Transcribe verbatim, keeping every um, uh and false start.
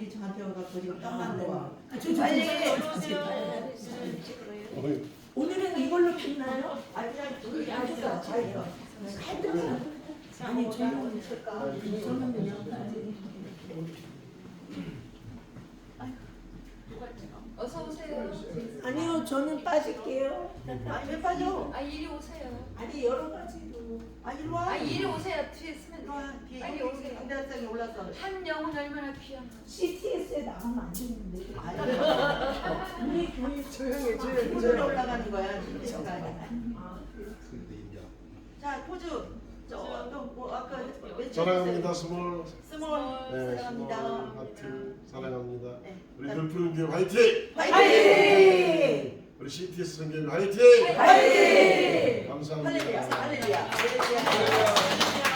사람들이 저한테 와갖고 지금 땀 만드는 거. 빨리 올라오세요. 오늘은 이걸로 빛나요? 아니 그냥 우리 앉아서 자기가. 아니 저는 저는 그냥 어서 오세요. 아니요 저는 빠질게요. 아니 왜 빠져? 아 이리 오세요. 아니 여러 가지로. 아 이리 와. 아 이리 오세요. 뒤에 있으면 이리 와. 뒤에 빨리 오세요. 인대상에 올라서. 한 영혼 얼마나 귀한 거. 씨티에스에 나가면 안 되는데. 아니 우리 교회 조용히 조용히 포즈로 올라가는 거야. 포즈가 아니야. 자 포즈. 저또뭐 아까 몇 사랑합니다 스몰. 스몰 네, 사랑합니다. 스몰 하트 사랑합니다. 네. 우리 별푸른 교회 화이팅! 화이팅! 우리 씨티에스 선교회 화이팅! 화이팅! 감사합니다. 할렐루야 할렐루야 할렐루야.